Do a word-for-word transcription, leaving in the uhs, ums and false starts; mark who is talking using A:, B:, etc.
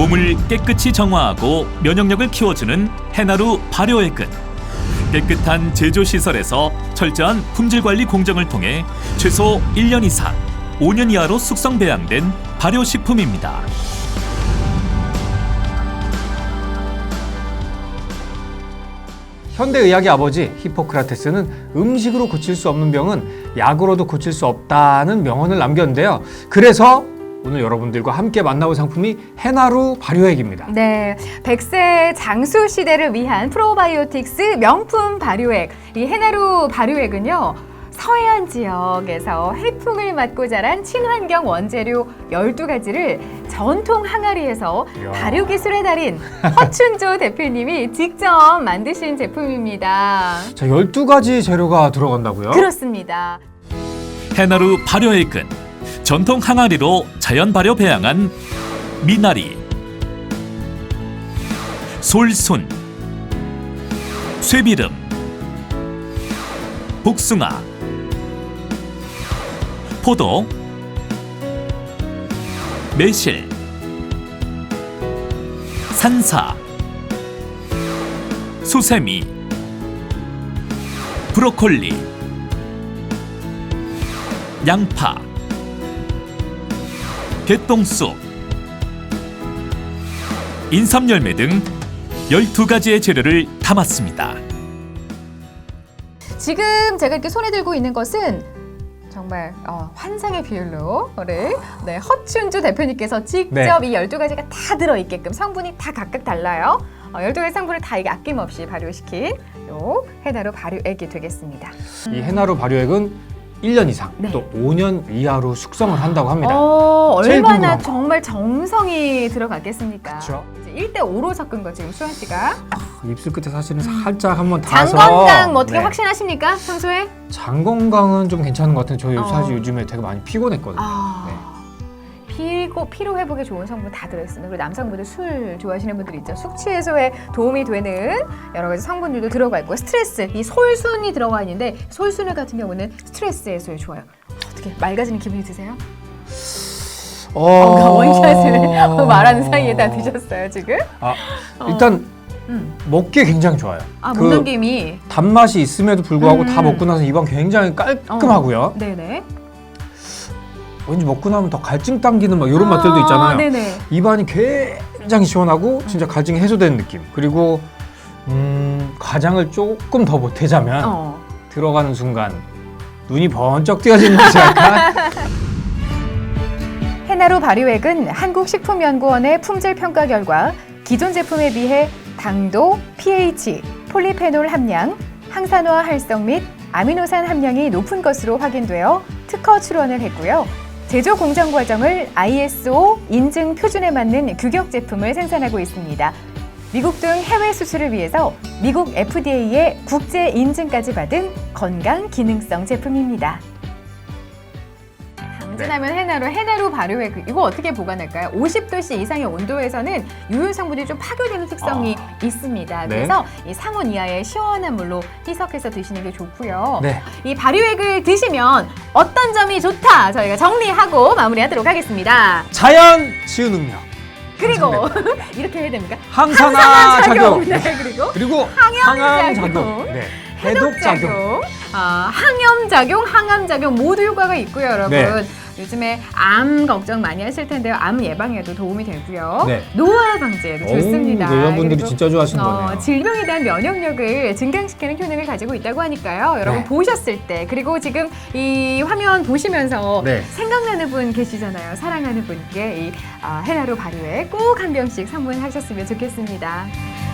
A: 몸을 깨끗이 정화하고 면역력을 키워주는 해나루 발효액은 깨끗한 제조시설에서 철저한 품질관리 공정을 통해 최소 일 년 이상, 오 년 이하로 숙성 배양된 발효식품입니다.
B: 현대의학의 아버지 히포크라테스는 음식으로 고칠 수 없는 병은 약으로도 고칠 수 없다는 명언을 남겼는데요. 그래서 오늘 여러분들과 함께 만나볼 상품이 해나루 발효액입니다.
C: 네, 백 세 장수 시대를 위한 프로바이오틱스 명품 발효액. 이 해나루 발효액은요, 서해안 지역에서 해풍을 맞고 자란 친환경 원재료 열두 가지를 전통 항아리에서
B: 이야.
C: 발효 기술의 달인 허춘조 대표님이 직접 만드신 제품입니다.
B: 자, 열두 가지 재료가 들어간다고요?
C: 그렇습니다.
A: 해나루 발효액은 전통 항아리로 자연 발효 배양한 미나리, 솔순, 쇠비름, 복숭아, 포도, 매실, 산사, 수세미, 브로콜리, 양파, 개똥쑥, 인삼열매 등 열두 가지의 재료를 담았습니다.
C: 지금 제가 이렇게 손에 들고 있는 것은 정말 어, 환상의 비율로를 네, 허춘주 대표님께서 직접
B: 네.
C: 이 열두 가지가 다 들어있게끔 성분이 다 각각 달라요. 어, 열두 가지 성분을 다 이게 아낌없이 발효시킨 요 해나루 발효액이 되겠습니다.
B: 이 해나루 발효액은 일 년 이상,
C: 네.
B: 또 오 년 이하로 숙성을 한다고 합니다.
C: 어,
B: 제일
C: 얼마나
B: 궁금한 거.
C: 정말 정성이 들어갔겠습니까?
B: 그렇죠.
C: 일 대 오로 섞은 거 지금 수환 씨가.
B: 입술 끝에 사실은 살짝 한번
C: 장
B: 닿아서
C: 건강 뭐 어떻게
B: 네.
C: 확신하십니까? 평소에?
B: 장 건강은 좀 괜찮은 것 같은데 저희
C: 어.
B: 사실 요즘에 되게 많이 피곤했거든요.
C: 아,
B: 네.
C: 피고, 피로 회복에 좋은 성분 다 들어있습니다. 그리고 남성분들 술 좋아하시는 분들 있죠. 숙취 해소에 도움이 되는 여러 가지 성분들도 들어가 있고, 스트레스, 이 솔순이 들어가 있는데 솔순을 같은 경우는 스트레스 해소에 좋아요. 어떻게 맑아지는 기분이 드세요?
B: 어...
C: 어, 원샷을 말하는 사이에 다 드셨어요 지금?
B: 아, 일단
C: 음.
B: 먹기에 굉장히 좋아요.
C: 아,
B: 그
C: 목넘김이.
B: 단맛이 있음에도 불구하고
C: 음.
B: 다 먹고 나서 입안 굉장히 깔끔하고요.
C: 어, 네네.
B: 왠지 먹고 나면 더 갈증 당기는 막 이런
C: 아,
B: 맛들도 있잖아요.
C: 네네.
B: 입안이 굉장히 시원하고 진짜 갈증이 해소되는 느낌. 그리고 음, 과장을 조금 더 보태자면
C: 어.
B: 들어가는 순간 눈이 번쩍 띄어지는 것이 약간
C: 해나루 발효액은 한국식품연구원의 품질 평가 결과 기존 제품에 비해 당도, pH, 폴리페놀 함량, 항산화 활성 및 아미노산 함량이 높은 것으로 확인되어 특허 출원을 했고요. 제조 공정 과정을 아이에스오 인증 표준에 맞는 규격 제품을 생산하고 있습니다. 미국 등 해외 수출을 위해서 미국 에프디에이의 국제 인증까지 받은 건강 기능성 제품입니다. 당진하면 해나루, 해나루 발효액 이거 어떻게 보관할까요? 오십 도씨 이상의 온도에서는 유효 성분이 좀 파괴되는 특성이
B: 아.
C: 있습니다.
B: 네.
C: 그래서 이 상온 이하의 시원한 물로 희석해서 드시는 게 좋고요.
B: 네.
C: 이 발효액을 드시면 어떤 점이 좋다 저희가 정리하고 마무리하도록 하겠습니다.
B: 자연 치유 능력,
C: 그리고 이렇게 해야 됩니까?
B: 항산화 작용,
C: 네, 그리고
B: 그리고
C: 항염
B: 항암
C: 작용.
B: 작용, 네.
C: 해독
B: 해독 작용.
C: 작용, 아, 항염 작용, 항암 작용 모두 효과가 있고요, 여러분.
B: 네.
C: 요즘에 암 걱정 많이 하실 텐데요. 암 예방에도 도움이 되고요.
B: 네.
C: 노화 방지에도 좋습니다.
B: 오, 여러분들이
C: 그리고,
B: 진짜 좋아하시는
C: 어,
B: 거네요.
C: 질병에 대한 면역력을 증강시키는 효능을 가지고 있다고 하니까요. 여러분
B: 네.
C: 보셨을 때 그리고 지금 이 화면 보시면서
B: 네.
C: 생각나는 분 계시잖아요. 사랑하는 분께 이 아, 해나루 발효액 꼭 한 병씩 선물하셨으면 좋겠습니다.